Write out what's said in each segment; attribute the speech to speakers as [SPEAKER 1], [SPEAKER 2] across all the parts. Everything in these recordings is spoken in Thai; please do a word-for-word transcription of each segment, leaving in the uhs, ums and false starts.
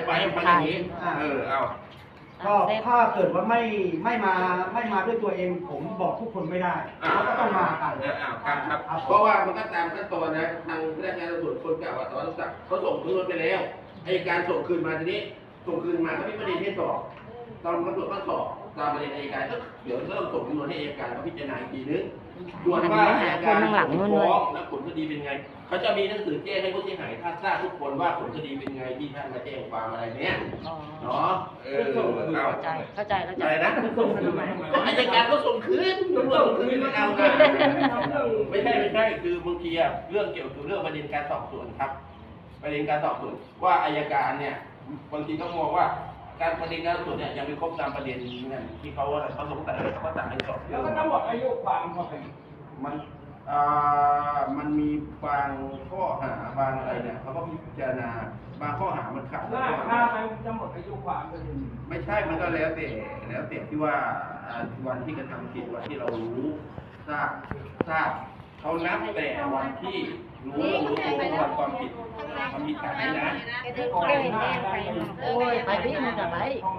[SPEAKER 1] ธิบายให้ฟังอย่างนี้เออเอา
[SPEAKER 2] ก็ถ้าเกิดว่าไม่ไม่มาไม่มาด้วยตัวเองผมบอกทุกคนไม่ได้เขาก็ต้องมากัน
[SPEAKER 1] ครับครับเพราะว่ามันก็ตามขั้นตอนนะทางพนักงานตำรวจคนเก่าอ่ะสวัสดิ์เขาส่งคืนไปแล้วไอ้การส่งคืนมาทีนี้ส่งคืนมาก็มีประเด็นที่สอบตอนตำรวจก็สอบตามประเด็นอัยการก็เดี๋ยวก็ต้องส่งจำนวนให้อัยการเขาพิจารณาอีกทีนึงส่วนว่าอัยการฟ้องและผลคดีเป็นไงเขาจะมีหนังสือแจ้งให้ผู้เสียหายท่านทราบทุกคนว่าผลคดีเป็นไงที่ท่านมาแจ้งความอะไรเนี้ยเนาะเออเข้าใจ
[SPEAKER 3] เข้าใจเข้าใจ
[SPEAKER 1] อะไรนะก็อัยการก็ส่งคืนตำรวจส่งคืนไม่เอานะไม่ใช่ไม่ใช่คือบางทีอะเรื่องเกี่ยวกับเรื่องประเด็นการสอบสวนครับประเด็นการสอบสวนว่าอัยการเนี่ยบางทีก็มองว่าการประเด็นการสอบสวนเนี่ยยังไม่ครบตามประเด็นนั่นที่เขาอะไรเขาสงสัยเขาสั่งให้สอบแล้ว
[SPEAKER 4] ก็ต้องหมดอายุความเข้าไป
[SPEAKER 1] มันอ่ามันมีบางข้อหาบางอะไรเนี่ยเขาก็พิจารณาบางข้อหามันขัด
[SPEAKER 4] ถ้าถ้ามันจะหมดอายุความไปเลย
[SPEAKER 1] ไม่ใช่มันก็แล้วแต่แล้วแต่ที่ว่าวันที่กระทำผิดวันที่เรารู้ทราบทราบเขานับแต่วันที่รู้รู้ตัววันความผิดความผิดฐานนี้นะ
[SPEAKER 3] โอ้ยไปพี่มันจะไป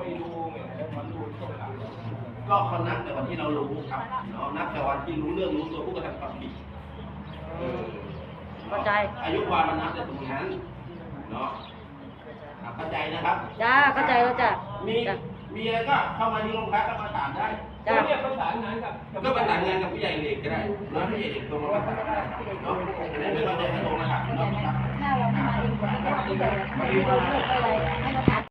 [SPEAKER 1] ก็เขานับแต่วันที่เรารู้ครับเนาะนับแต่วันที่รู้เรื่องรู้ตัวผู้กระทำความผิด
[SPEAKER 3] เข้าใจ
[SPEAKER 1] อายุความมันนับแต่ตรงนั้นเนาะเข้าใจนะครับ
[SPEAKER 3] จ้าเข้าใจแล้วจ้ะ
[SPEAKER 1] มีมีอะไรก็เข้ามาที่โรงพักก็มาถามได้
[SPEAKER 4] จ้าเนี่ยประสานงานกับ
[SPEAKER 1] ก็ประสานงานกับผู้ใหญ่เด็กก็ได้แล้วผู้ใหญ่เด็กตรงมาประสานได้เนาะไม่ต้องเดินให้ตรงนะครับเนาะ
[SPEAKER 3] ถ้าเราไม่มาเองก็ไม่ได้เราเลือกอะไรให้เรา